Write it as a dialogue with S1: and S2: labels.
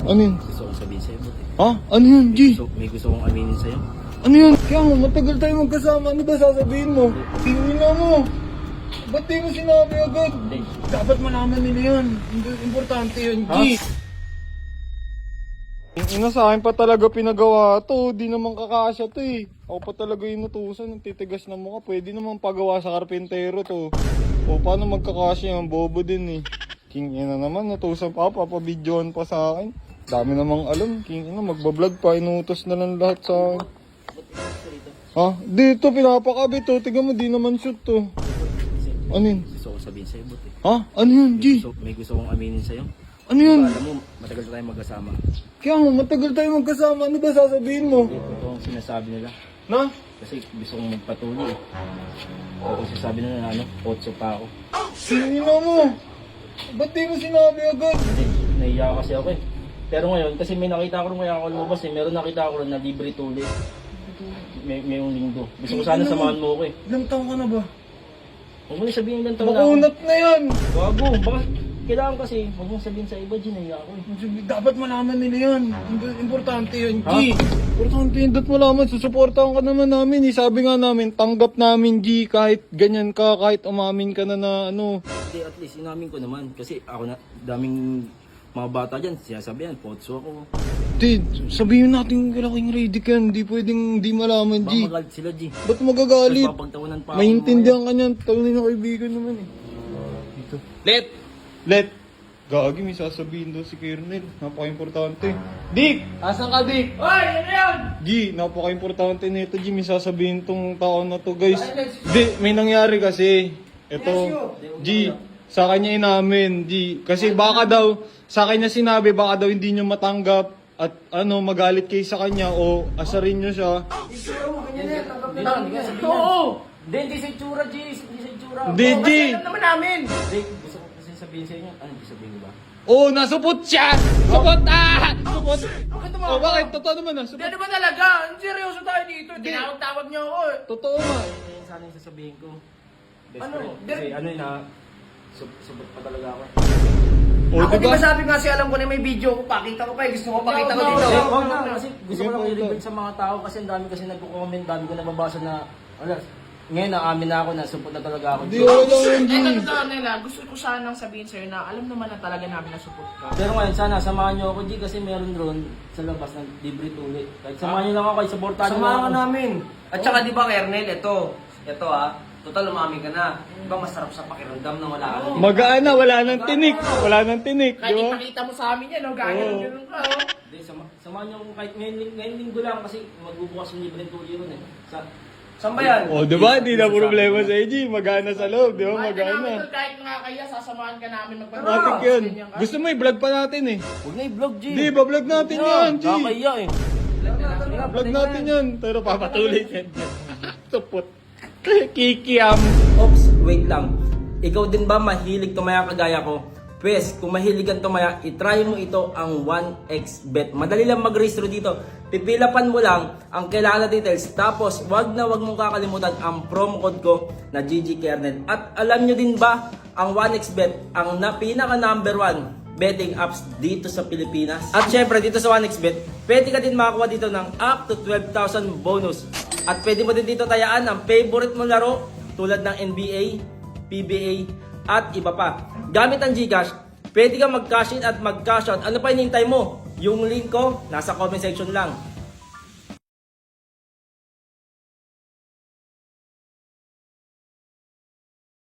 S1: Ano yun?
S2: Gusto kong sabihin sa'yo, buti.
S1: Ha? Ano yun, G?
S2: May gusto kong aminin sa'yo.
S1: Ano yun? Kaya nga, matagal tayo magkasama. Ano ba sasabihin mo? Tingin na mo. Ba't di mo sinabi agad?
S2: Hindi.
S1: Dapat malaman nila yun. Importante yun, G. Ina sa akin pa talaga pinagawa to. Di naman kakasya to eh. Ako pa talaga yung nutusan. Ang titigas na mukha. Pwede naman pagawa sa karpintero to. O paano magkakasya yung bobo din eh. King ina naman, nutusan pa. Papabidyohan pa sa akin. Dami namang alam. King ina, magbablog pa. Inutos na lang lahat sa akin. Ha? Dito, pinapakabit to. Tignan mo, di naman shoot to. Ano yun?
S2: Gusto kong sabihin sa'yo, buti.
S1: Ha? Ano yun, G?
S2: May gusto kong aminin sa'yo.
S1: Ano yun?
S2: Alam mo, matagal na tayong magkasama.
S1: Kaya nga, matagal tayo magkasama. Ano ba sasabihin mo?
S2: Ito ang sinasabi nila.
S1: Na?
S2: Kasi gusto kong magpatuloy eh. Tapos sasabi nila na ano, 8 pa ako.
S1: Sino mo? Ba't di mo sinabi agad?
S2: Hindi, nahiya kasi ako eh. Pero ngayon, kasi may nakita ko rin kaya ako lumabas eh. Meron nakita ko rin na libre tuli. May yung linggo. Gusto ko sana samahan mo ako eh.
S1: Ilang taon ka na ba?
S2: Huwag mo na sabihin ng taon na ako.
S1: Makunat na yan!
S2: Bago, baka kailangan kasi, huwag mong sabihin sa iba, G, nahiya ako eh.
S1: Dapat malaman nila yan. Importante yun, G.
S2: Ha?
S1: Importante yun. Dapat malaman. Susuportahan ka naman namin. Eh. Sabi nga namin, tanggap namin, G. Kahit ganyan ka, kahit umamin ka na ano.
S2: Hindi, at least inamin ko naman. Kasi ako na, daming mga bata dyan, sinasabihan, potso ako.
S1: Di, sabihin natin kailangan ready ka yan. Di pwedeng di malaman,
S2: Baka
S1: G.
S2: magalit sila, G.
S1: Ba't magagalit?
S2: Papagtawanan pa ako.
S1: Maintindihan ka niyan. Tawanin na kaibigan naman eh. Dito. Let! Gagi, may sasabihin daw si Kernel. Napaka-importante. Dick! Asan ka, Dick?
S3: Hoy! Ano yan?
S1: G, napaka-importante nito, G. May sasabihin tong tao na to, guys. Di, may nangyari kasi. Ito, G, sa kanya inamin, G. Kasi baka daw, sa kanya sinabi, baka daw hindi nyo matanggap at ano, magalit kayo sa kanya o asarin nyo siya.
S2: Hindi na, hindi ka sabihin yan.
S3: Oo!
S2: Hindi sa itsura, G. Hindi sa itsura.
S1: Hindi, G!
S3: Kasi alam naman namin!
S2: Hindi, gusto ko kasi sabihin sa inyo. Ano gusto sabihin ko ba?
S1: Oh, nasupot siya! Supot! Ah! Supot!
S3: Bakit naman
S1: Oh,
S3: ako?
S1: bakit? Totoo naman ah.
S3: Hindi
S1: Supot.
S3: ano ba talaga? Seryoso tayo dito. Tinawag-tawag niyo ako eh.
S1: Totoo nga.
S2: Yan sana yung sasabihin ko. Best
S3: Ano?
S2: friend. Kasi ano yun na, subot pa talaga ako.
S1: Oh,
S3: Ako di
S1: diba?
S3: ba sabi nga si alam ko na may video ko, pakita ko pa eh. Gusto ko pakita ko dito.
S2: Huwag na, kasi gusto ko lang
S1: Sige,
S2: i-reveal sa mga tao kasi ang dami kasi nagko-comment, dami ko nababasa na, alas, ngayon naamin na ako na supot na talaga ako.
S1: Di wala lang, G.
S3: Ito totoo nila, gusto ko sanang sabihin sa'yo na alam naman na talaga namin na support ka.
S2: Pero ngayon sana samahan niyo ako, G, kasi meron drone sa labas ng libre tuli. Kahit samahan niyo lang ako, supportahan niyo lang
S4: Samahan
S2: ako.
S4: ka namin. At saka di ba, Kernel, ito total umami ka na. Di ba masarap sa pakiramdam na wala ka na?
S1: Magaan na, wala nang tinik. Wala nang tinik, di
S3: Kahit
S1: ba?
S3: ipakita mo sa amin yan, no? Ganyan ka, oh.
S2: Hindi, samahan niyo ako kahit ngayon linggo lang kasi magbubukas yung libre tuli ron eh.
S4: Saan ba yan?
S1: Oh, di ba? Di na problema sa G. Magana sa loob, di ba?
S3: Kahit namin
S1: Magana.
S3: to, kahit nga kaya, sasamahan ka namin magpapagawa.
S1: Matik yun. Gusto mo i-vlog pa natin eh.
S2: Huwag na i-vlog, G.
S1: Di, ba-vlog natin yan, G.
S2: Nakakaya eh.
S1: Vlog natin yan. Pero papatuloy yan. Supot. Kikiam.
S4: Ops, wait lang. Ikaw din ba mahilig tumaya kagaya ko? Pwes, kung mahilig kang tumaya, itry mo ito ang 1xbet. Madali lang mag-register dito. Pipilapan mo lang ang kailangan na details. Tapos, wag mong kakalimutan ang promo code ko na GGKernel. At alam nyo din ba, ang 1xbet, ang pinaka number 1 betting apps dito sa Pilipinas. At syempre, dito sa 1xbet, pwede ka din makakuha dito ng up to 12,000 bonus. At pwede mo din dito tayaan ang favorite mo laro tulad ng NBA, PBA, at iba pa. Gamit ang GCash, pwede kang mag-cash in at mag-cash out. Ano pa hinihintay mo? Yung link ko, nasa comment section lang.